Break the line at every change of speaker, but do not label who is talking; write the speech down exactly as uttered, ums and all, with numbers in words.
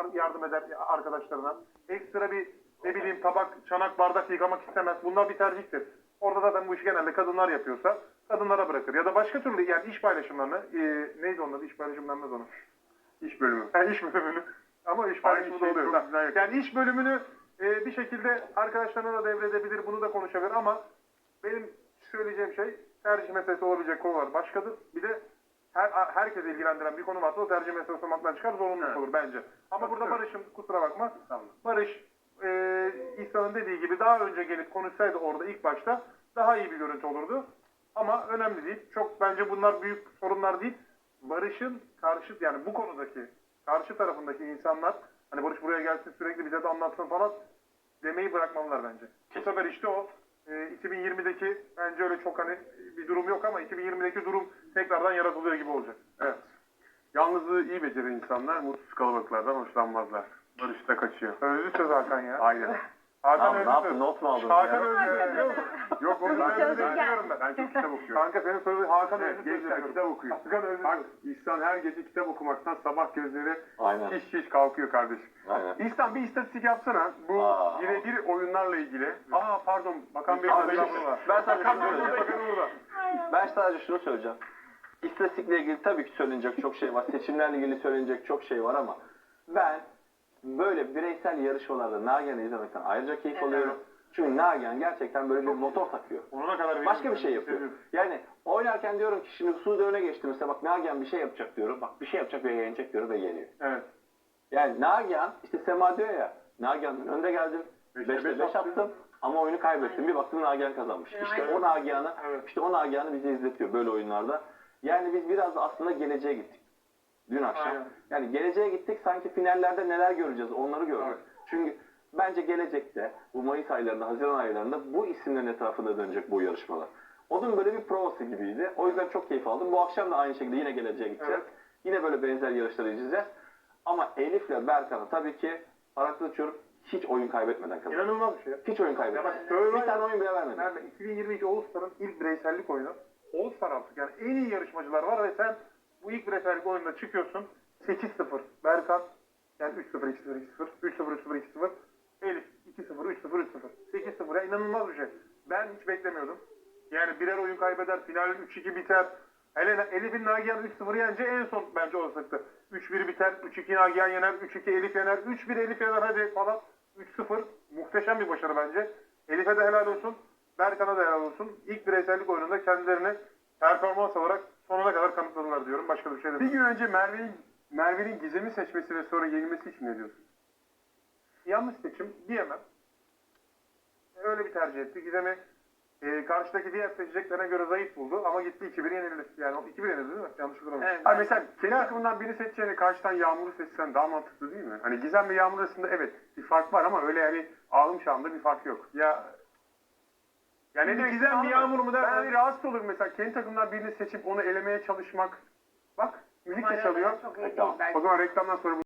yardım eder arkadaşlarına. Ekstra bir ne bileyim tabak, çanak, bardak yıkamak istemez. Bunlar bir tercihtir. Orada zaten bu işi genelde kadınlar yapıyorsa kadınlara bırakır. Ya da başka türlü yani iş paylaşımlarını, e, neydi onun adı? İş paylaşımlarını onu.
İş bölümü.
Yani iş bölümünü. Ama iş paylaşımı da
şey
oluyor.
çok güzel yapıyor.
Yani iş bölümünü e, bir şekilde arkadaşlarına da devredebilir, bunu da konuşabilir ama benim söyleyeceğim şey tercih meselesi olabilecek konular başkadır. Bir de her herkese ilgilendiren bir konu varsa o tercih meselesi olmaktan çıkar, zorunluluk
Evet.
olur bence. Ama burada Barış'ın, kusura bakma,
Tamam.
Barış e, İhsan'ın dediği gibi daha önce gelip konuşsaydı orada ilk başta daha iyi bir görüntü olurdu. Ama önemli değil. Çok bence bunlar büyük sorunlar değil. Barış'ın karşı yani bu konudaki karşı tarafındaki insanlar hani Barış buraya gelsin sürekli bize de anlatsın falan demeyi bırakmalılar bence. Bu sefer işte o e, iki bin yirmideki bence öyle çok hani bir durum yok ama iki bin yirmideki durum tekrardan yaratılıyor gibi olacak.
Evet. Yalnızlığı iyi beceren insanlar mutsuz kalabalıklardan hoşlanmazlar. Barış da kaçıyor.
Özlü söz Hakan ya.
Aynen.
Hakan
Tamam, ne
özlü
yaptın?
söz.
Not mu aldın?
Hakan
ya?
özlü söz.
Yok onu ben
Özlü
ben,
söz diyorum ben.
ben çok kitap okuyorum.
Kanka senin sözü Hakan
Evet,
özlü söz
gençler
diyorum.
kitap okuyor.
Hakan özlü
Bak
söz.
İhsan her gece kitap okumaktan sabah gözleri
Aynen.
şiş şiş kalkıyor kardeşim.
Aynen.
İhsan bir istatistik yapsana. Bu
Aa.
birebir oyunlarla ilgili. Aa pardon Bakan Bey'in
Abi,
adayı var.
ben sana
Bakan
şunu
Bey
söyleyeceğim.
burada, Bakan burada.
Ben sadece şunu söyleyeceğim. İstatistikle ilgili tabii ki söylenecek çok şey var. Seçimlerle ilgili söylenecek çok şey var ama ben böyle bireysel yarışmalarda Nagihan'ı izlemekten ayrıca keyif alıyorum. Çünkü Nagihan gerçekten böyle bir motor takıyor.
Sonuna kadar
Başka bir şey yapıyor. Yani oynarken diyorum ki şimdi Suudi öne geçti mesela bak Nagihan bir şey yapacak diyorum. Bak bir şey yapacak ve yenecek diyorum ve yeniyor.
Evet.
Yani Nagihan işte Sema diyor ya Nagihan'ın önde geldim.
Beşte
beşte
beş
beş
attın.
attım ama oyunu kaybettim. Bir baktım Nagihan kazanmış. İşte o Nagihan'ı
Evet.
işte o Nagihan'ı bize izletiyor böyle oyunlarda. Yani biz biraz da aslında geleceğe gittik. Dün akşam.
Aynen.
Yani geleceğe gittik sanki finallerde neler göreceğiz onları gördük.
Evet.
Çünkü bence gelecekte bu Mayıs aylarında, Haziran aylarında bu isimlerin etrafında dönecek bu yarışmalar. Onun böyle bir provası gibiydi. O yüzden çok keyif aldım. Bu akşam da aynı şekilde yine geleceğe gideceğiz.
Evet.
Yine böyle benzer yarışları izleyeceğiz. Ama Elif'le Berkan'ı tabii ki parantez açıyorum hiç oyun kaybetmeden kazandı.
İnanılmaz bir şey.
Hiç oyun
Ya
kaybetmedi.
bak Survivor-
Bir tane oyun bile vermedi.
Nerede? iki bin yirmi iki All-Star'ın ilk bireysellik oyunu. All-Star artık yani en iyi yarışmacılar var ve sen bu ilk bireysellik oyununda çıkıyorsun. sekiz sıfır. Berkan yani üç sıfır, iki sıfır, iki sıfır, üç sıfır, üç sıfır, iki sıfır. Elif iki sıfır, üç sıfır, üç sıfır. sekiz sıfır ya inanılmaz bir şey. Ben hiç beklemiyordum. Yani birer oyun kaybeder, final üç iki biter. Hele Elif'in Nagihan üç sıfır yenince en son bence olasılıktı. üç bir biter, üç iki Nagihan yener, üç iki Elif yener, üç bir Elif yener hadi falan. üç sıfır muhteşem bir başarı bence. Elif'e de helal olsun, Berkan'a da helal olsun. İlk bireysellik oyununda kendilerini performans olarak sonuna kadar kanıtladılar diyorum. Başka bir şey
Bir
değil.
gün önce Merve'nin Merve'nin Gizem'i seçmesi ve sonra yenilmesi için ne diyorsun?
Yanlış seçim diyemem. Öyle bir tercih etti. Gizem'i e, karşıdaki diğer seçeceklerine göre zayıf buldu ama gitti iki bir yenildi. Yani o iki bir yenildi değil mi? Yanlış hatırlamıyorum.
Evet. Abi mesela kendi takımından birini seçeceğine karşıdan Yağmur'u seçsen daha mantıklı değil mi? Hani Gizem ve Yağmur arasında evet bir fark var ama öyle yani ağlım şahında bir fark yok.
Ya
Yani
Şimdi
ne
Gizem
Gizem
mi,
bir
Yağmur mu der-
Ben hani rahatsız olurum mesela kendi takımdan birini seçip onu elemeye çalışmak. Bak müzik de
Umarım
çalıyor.
Çok iyi değil
Tamam.
belki.
O zaman reklamdan sonra